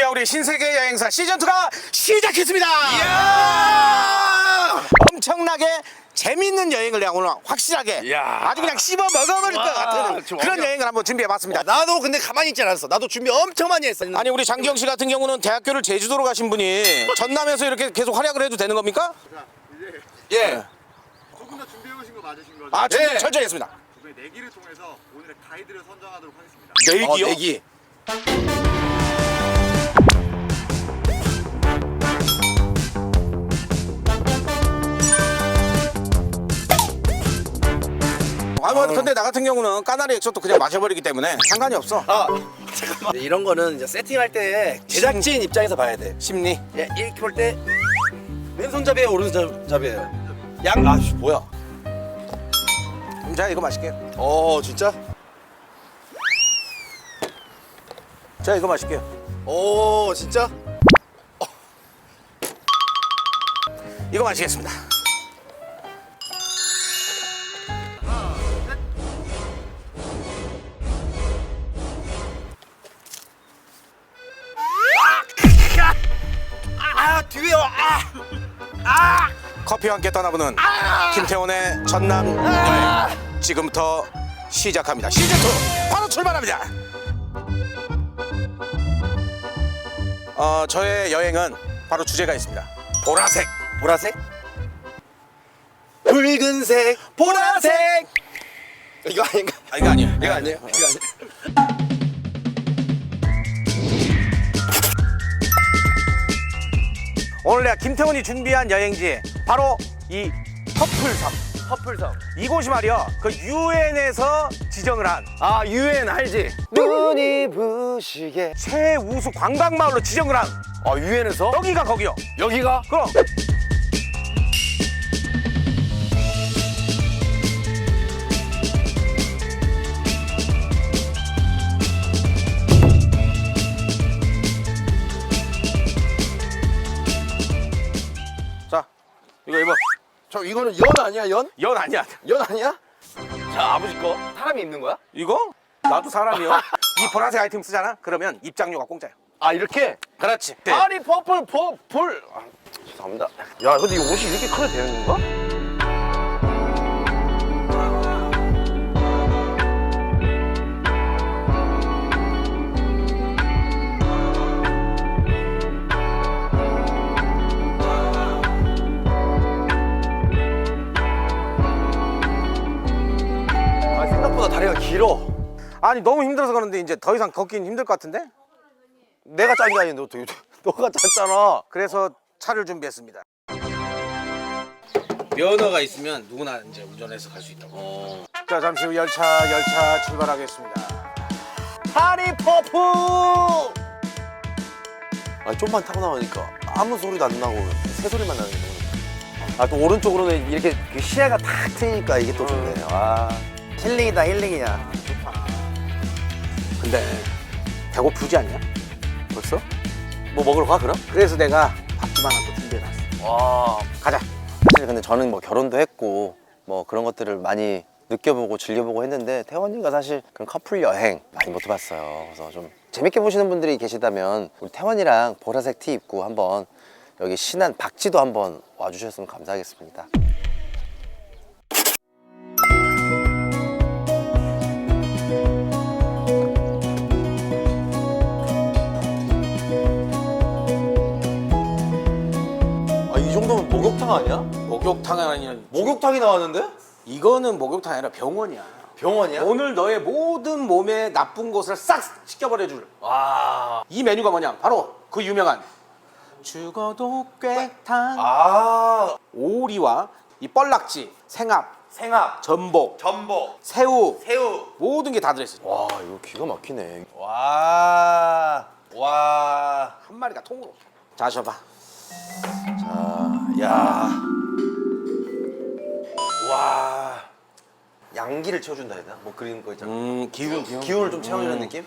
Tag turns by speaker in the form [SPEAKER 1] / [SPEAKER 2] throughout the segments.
[SPEAKER 1] 자, 우리 신세계 여행사 시즌2가 시작했습니다.
[SPEAKER 2] 이야!
[SPEAKER 1] 엄청나게 재밌는 여행을 내가 오늘 확실하게
[SPEAKER 2] 이야.
[SPEAKER 1] 아주 그냥 씹어 먹어버릴 것 같은
[SPEAKER 2] 좀
[SPEAKER 1] 그런
[SPEAKER 2] 어려-
[SPEAKER 1] 여행을 한번 준비해봤습니다.
[SPEAKER 2] 나도 근데 가만히 있지 않았어. 나도 준비 엄청 많이 했어.
[SPEAKER 1] 아니, 우리 장기영 씨 같은 경우는 대학교를 제주도로 가신 분이 전남에서 이렇게 계속 활약을 해도 되는 겁니까?
[SPEAKER 2] 예.
[SPEAKER 3] 조금 더 준비해 오신 거 맞으신 거죠?
[SPEAKER 1] 아,
[SPEAKER 2] 네.
[SPEAKER 1] 철저히 했습니다.
[SPEAKER 3] 이번에 내기를 통해서 오늘의 가이드를 선정하도록 하겠습니다.
[SPEAKER 1] 내기요?
[SPEAKER 2] 내기.
[SPEAKER 1] 아, 뭐 근데 나 같은 경우는 까나리 액젓도 그냥 마셔버리기 때문에 상관이 없어.
[SPEAKER 2] 잠깐만. 이런 거는 이제 세팅할 때 제작진 입장에서 봐야 돼.
[SPEAKER 1] 심리.
[SPEAKER 2] 예, 이렇게 볼 때 왼손잡이에요, 오른손잡이에요. 아씨 뭐야?
[SPEAKER 1] 그럼 제가 이거 마실게요.
[SPEAKER 2] 진짜?
[SPEAKER 1] 제가 이거 마실게요.
[SPEAKER 2] 진짜?
[SPEAKER 1] 이거 마시겠습니다.
[SPEAKER 2] 뒤에요.
[SPEAKER 1] 커피와 함께 떠나보는 김태원의 전남 여행 지금부터 시작합니다. 시즌2 바로 출발합니다. 저의 여행은 바로 주제가 있습니다. 보라색.
[SPEAKER 2] 보라색? 붉은색, 보라색. 이거 아닌가?
[SPEAKER 1] 이거 아니에요.
[SPEAKER 2] 이거 아니에요? 이거 아니에요?
[SPEAKER 1] 오늘 내가 김태원이 준비한 여행지 바로 이 퍼플섬.
[SPEAKER 2] 퍼플섬.
[SPEAKER 1] 이곳이 말이야 그 유엔에서 지정을 한
[SPEAKER 2] 유엔 알지? 눈이 부시게.
[SPEAKER 1] 최우수 관광마을로 지정을 한
[SPEAKER 2] 유엔에서?
[SPEAKER 1] 여기가 거기요.
[SPEAKER 2] 여기가?
[SPEAKER 1] 그럼 자, 이거 입어.
[SPEAKER 2] 저 이거는 연 아니야, 연?
[SPEAKER 1] 연 아니야.
[SPEAKER 2] 연 아니야? 자, 아버지 거. 사람이 입는 거야?
[SPEAKER 1] 이거? 나도 사람이요. 이 보라색 아이템 쓰잖아? 그러면 입장료가 공짜야.
[SPEAKER 2] 이렇게?
[SPEAKER 1] 그렇지.
[SPEAKER 2] 아니, 퍼플. 죄송합니다. 야, 근데 이 옷이 이렇게 커도 되는 건가? 생각보다 다리가 길어.
[SPEAKER 1] 아니, 너무 힘들어서 그런데 이제 더 이상 걷긴 힘들 것 같은데?
[SPEAKER 2] 내가 짠 게 아닌데 어떻게 너가 짰잖아.
[SPEAKER 1] 그래서 차를 준비했습니다. 면허가 있으면 누구나 이제 운전해서 갈 수 있다고. 자, 잠시 후 열차 출발하겠습니다.
[SPEAKER 2] 하리퍼프. 좀만 타고 나오니까 아무 소리도 안 나고 새 소리만 나는 게 또 오른쪽으로는 이렇게 그 시야가 탁 트이니까 이게 또 좋네. 힐링이다, 힐링이야.
[SPEAKER 1] 근데 배고프지 않냐?
[SPEAKER 2] 벌써? 뭐 먹으러 가 그럼?
[SPEAKER 1] 그래서 내가 밥집 하나 또 준비해놨어. 가자.
[SPEAKER 4] 사실 근데 저는 뭐 결혼도 했고 뭐 그런 것들을 많이 느껴보고 즐겨보고 했는데 태원이가 사실 그런 커플 여행 많이 못 해봤어요. 그래서 좀 재밌게 보시는 분들이 계시다면 우리 태원이랑 보라색 티 입고 한번 여기 신안 박지도 한번 와주셨으면 감사하겠습니다.
[SPEAKER 2] 이 정도면 목욕탕 아니야?
[SPEAKER 1] 목욕탕이 아니라
[SPEAKER 2] 목욕탕이 나왔는데?
[SPEAKER 1] 이거는 목욕탕이 아니라 병원이야.
[SPEAKER 2] 병원이야?
[SPEAKER 1] 오늘 너의 모든 몸에 나쁜 것을 싹 씻겨버려줄
[SPEAKER 2] 와.
[SPEAKER 1] 이 메뉴가 뭐냐? 바로 그 유명한 죽어도 꿰탕. 오리와 이 뻘락지, 생합,
[SPEAKER 2] 생합,
[SPEAKER 1] 전복,
[SPEAKER 2] 전복,
[SPEAKER 1] 새우,
[SPEAKER 2] 새우.
[SPEAKER 1] 모든 게 다 들어있어.
[SPEAKER 4] 와 이거 기가 막히네.
[SPEAKER 2] 와.
[SPEAKER 1] 한 마리가 통으로. 자, 셔봐.
[SPEAKER 2] 야. 와.
[SPEAKER 4] 양기를 채워준다 해야 되나? 뭐 그런 거 있잖아.
[SPEAKER 1] 기운.
[SPEAKER 4] 기운을 좀 채워주는 느낌?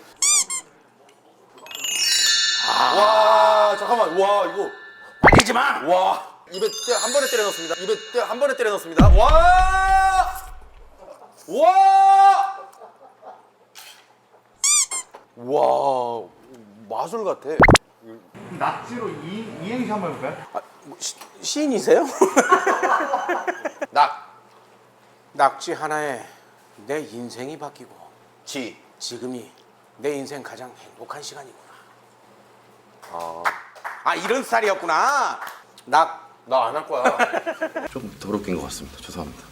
[SPEAKER 2] 와, 잠깐만. 와, 이거.
[SPEAKER 1] 말리지 마.
[SPEAKER 2] 와. 입에 한 번에 때려 넣습니다. 입에 한 번에 때려 넣습니다. 와! 와! 와, 마술 같아.
[SPEAKER 3] 낙지로 이행시 한번 해볼까요?
[SPEAKER 1] 아, 뭐 시인이세요? 낙지 하나에 내 인생이 바뀌고 지금이 내 인생 가장 행복한 시간이구나. 아 이런 스타일이었구나.
[SPEAKER 2] 나 안 할 거야. 좀 더럽긴 것 같습니다. 죄송합니다.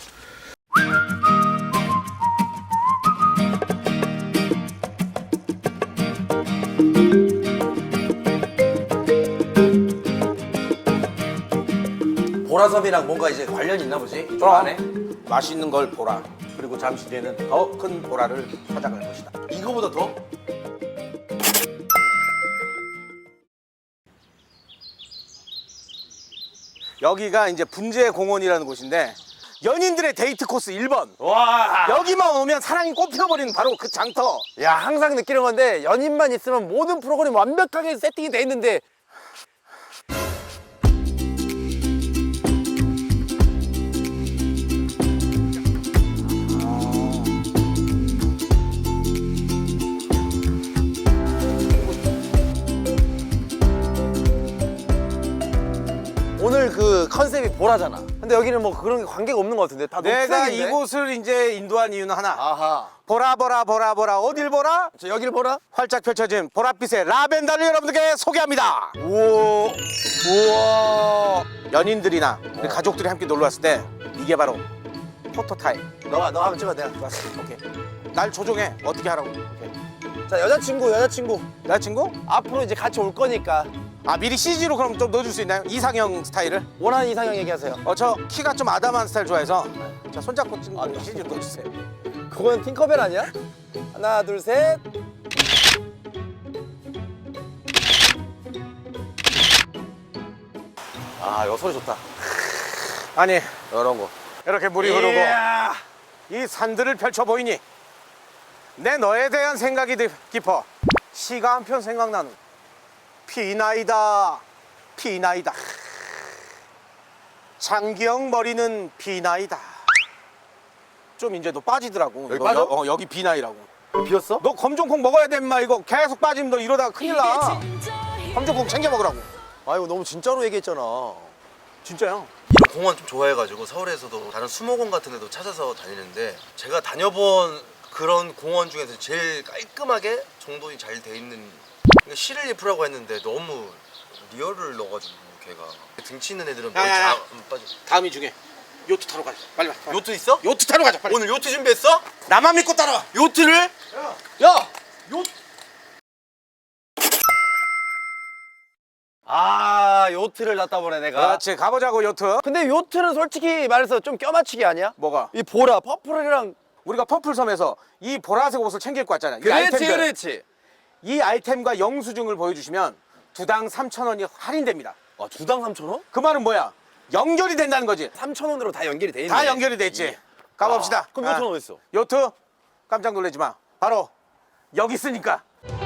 [SPEAKER 2] 보라섬이랑 뭔가 이제 관련이 있나 보지? 이쪽 안에?
[SPEAKER 1] 맛있는 걸 보라. 그리고 잠시 뒤에는 더 큰 보라를 찾아갈 것이다.
[SPEAKER 2] 이거보다 더?
[SPEAKER 1] 여기가 이제 분재공원이라는 곳인데 연인들의 데이트 코스 1번.
[SPEAKER 2] 와.
[SPEAKER 1] 여기만 오면 사랑이 꽃피어버리는 바로 그 장터.
[SPEAKER 2] 야, 항상 느끼는 건데 연인만 있으면 모든 프로그램이 완벽하게 세팅이 돼 있는데 오늘 그 컨셉이 보라잖아. 근데 여기는 뭐 그런 게 관계가 없는 것 같은데 다
[SPEAKER 1] 내가
[SPEAKER 2] 녹색인데?
[SPEAKER 1] 이곳을 이제 인도한 이유는 하나.
[SPEAKER 2] 아하.
[SPEAKER 1] 보라 보라 보라 보라 어딜 보라?
[SPEAKER 2] 저 여기를 보라.
[SPEAKER 1] 활짝 펼쳐진 보랏빛의 라벤더를 여러분들께 소개합니다.
[SPEAKER 2] 우와. 우와.
[SPEAKER 1] 연인들이나 우리 가족들이 함께 놀러 왔을 때 이게 바로 포토 타임.
[SPEAKER 2] 너 한번 찍어 내가.
[SPEAKER 1] 좋았어. 오케이. 날 조종해. 어떻게 하라고? 오케이.
[SPEAKER 2] 자, 여자친구.
[SPEAKER 1] 여자친구?
[SPEAKER 2] 앞으로 이제 같이 올 거니까
[SPEAKER 1] 아 미리 CG로 그럼 좀 넣어줄 수 있나요? 이상형 스타일을?
[SPEAKER 2] 원하는 이상형 얘기하세요.
[SPEAKER 1] 저 키가 좀 아담한 스타일 좋아해서 자 손잡고 찍는 CG로 넣어주세요.
[SPEAKER 2] 그건 팅커벨 아니야? 하나, 둘, 셋. 아, 이거 소리 좋다.
[SPEAKER 1] 아니
[SPEAKER 2] 이런 거.
[SPEAKER 1] 이렇게 물이 흐르고
[SPEAKER 2] 이야.
[SPEAKER 1] 이 산들을 펼쳐 보이니 내 너에 대한 생각이 깊어 시가 한 편 생각나는 피나이다 피나이다 장기영 머리는 비나이다. 좀 이제 너 빠지더라고.
[SPEAKER 2] 여기
[SPEAKER 1] 이거
[SPEAKER 2] 빠져?
[SPEAKER 1] 여기 비나이라고.
[SPEAKER 2] 비었어?
[SPEAKER 1] 너 검정콩 먹어야 돼 임마. 이거 계속 빠지면 너 이러다가 큰일 나. 검정콩 챙겨 먹으라고.
[SPEAKER 2] 아, 이거 너무 진짜로 얘기했잖아.
[SPEAKER 1] 진짜요?
[SPEAKER 5] 이런 공원 좀 좋아해가지고 서울에서도 다른 수목원 같은 데도 찾아서 다니는데 제가 다녀본 그런 공원 중에서 제일 깔끔하게 정돈이 잘 돼 있는 시를리프라고 했는데 너무 리얼을 넣어가지고 걔가 등치 있는 애들은 머리
[SPEAKER 1] 야.
[SPEAKER 5] 빠져.
[SPEAKER 1] 다음이 중에 요트 타러 가자. 빨리 와.
[SPEAKER 5] 요트 있어?
[SPEAKER 1] 요트 타러 가자. 빨리.
[SPEAKER 5] 오늘 요트 준비했어?
[SPEAKER 1] 나만 믿고 따라와.
[SPEAKER 5] 요트를?
[SPEAKER 2] 야! 아, 요트를 놨다 보네 내가.
[SPEAKER 1] 그렇지 가보자고 요트.
[SPEAKER 2] 근데 요트는 솔직히 말해서 좀 껴맞추기 아니야?
[SPEAKER 1] 뭐가?
[SPEAKER 2] 이 보라, 퍼플이랑.
[SPEAKER 1] 우리가 퍼플섬에서 이 보라색 옷을 챙길 거 같잖아. 이 아이템들.
[SPEAKER 2] 그렇지.
[SPEAKER 1] 이 아이템과 영수증을 보여주시면 두당 3,000원이 할인됩니다.
[SPEAKER 2] 아, 주당 3,000원?
[SPEAKER 1] 그 말은 뭐야? 연결이 된다는 거지.
[SPEAKER 2] 3,000원으로 다 연결이 돼 있네.
[SPEAKER 1] 다 연결이 돼 있지. 가봅시다.
[SPEAKER 2] 그럼 요트는 어디 있어?
[SPEAKER 1] 요트 깜짝 놀라지 마. 바로 여기 있으니까.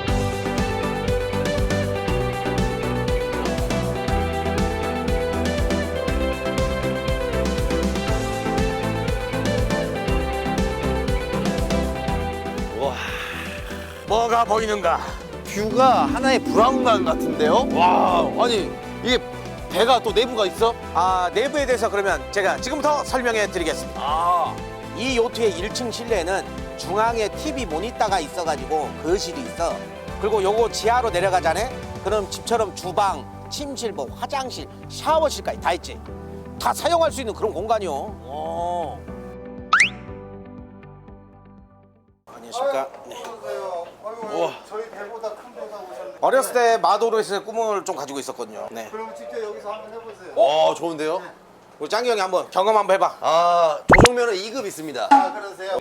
[SPEAKER 2] 와.
[SPEAKER 1] 뭐가 보이는가?
[SPEAKER 2] 뷰가 하나의 브라운관 같은데요? 와, 아니 이게 배가 또 내부가 있어?
[SPEAKER 1] 내부에 대해서 그러면 제가 지금부터 설명해 드리겠습니다.
[SPEAKER 2] 아,
[SPEAKER 1] 이 요트의 1층 실내에는 중앙에 TV 모니터가 있어가지고 거실이 있어. 그리고 요거 지하로 내려가자네. 그럼 집처럼 주방, 침실, 뭐 화장실, 샤워실까지 다 있지. 다 사용할 수 있는 그런 공간이요. 안녕하십니까. 네.
[SPEAKER 3] 저희 배보다 큰 배가 오셨는데
[SPEAKER 1] 어렸을 때 마도로에서 꿈을 좀 가지고 있었거든요. 네.
[SPEAKER 3] 그럼 직접 여기서 한번 해보세요.
[SPEAKER 2] 와, 좋은데요?
[SPEAKER 1] 우리 짱기 형이 한번 경험 한번 해봐.
[SPEAKER 2] 아, 조정면허 2급 있습니다.
[SPEAKER 3] 그러세요?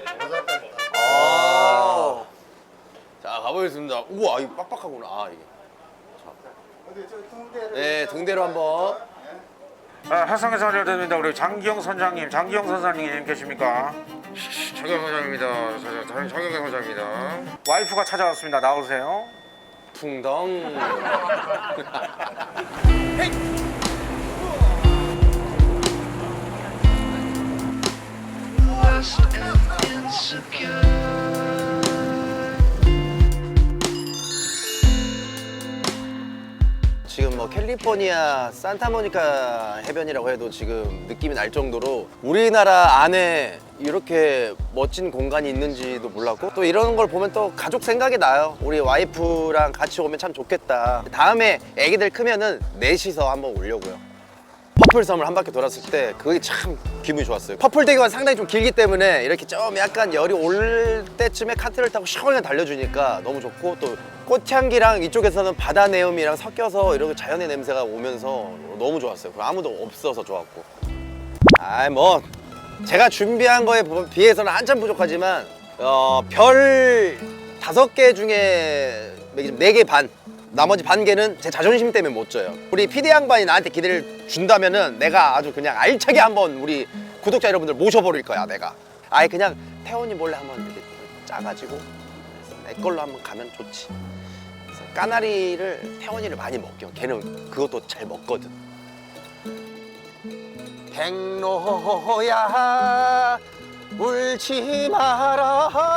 [SPEAKER 2] 아. 자, 가보겠습니다. 우와, 이거 빡빡하구나. 아, 이게.
[SPEAKER 3] 어디 저 등대를
[SPEAKER 2] 네, 등대로 한번.
[SPEAKER 1] 화성에서 알려드립니다. 우리 장기영 선장님, 장기영 선장님 계십니까?
[SPEAKER 6] 장경 사장입니다. 장경 사장입니다.
[SPEAKER 1] 와이프가 찾아왔습니다. 나오세요.
[SPEAKER 2] 풍덩.
[SPEAKER 4] 뭐 캘리포니아 산타모니카 해변이라고 해도 지금 느낌이 날 정도로 우리나라 안에 이렇게 멋진 공간이 있는지도 몰랐고, 또 이런 걸 보면 또 가족 생각이 나요. 우리 와이프랑 같이 오면 참 좋겠다. 다음에 애기들 크면은 넷이서 한번 오려고요. 퍼플섬을 한 바퀴 돌았을 때 그게 참 기분이 좋았어요. 퍼플대교가 상당히 좀 길기 때문에 이렇게 좀 약간 열이 올 때쯤에 카트를 타고 시원하게 달려주니까 너무 좋고, 또 꽃향기랑 이쪽에서는 바다 내음이랑 섞여서 이렇게 자연의 냄새가 오면서 너무 좋았어요. 그리고 아무도 없어서 좋았고. 뭐 제가 준비한 거에 비해서는 한참 부족하지만 별 5개 중에 4개 반, 나머지 반 개는 제 자존심 때문에 못 줘요. 우리 PD 양반이 나한테 기대를 준다면은 내가 아주 그냥 알차게 한번 우리 구독자 여러분들 모셔버릴 거야. 내가 아예 그냥 태원이 몰래 한번 이렇게 짜가지고 내 걸로 한번 가면 좋지. 그래서 까나리를, 태원이를 많이 먹여. 걔는 그것도 잘 먹거든. 백로야 울지 마라.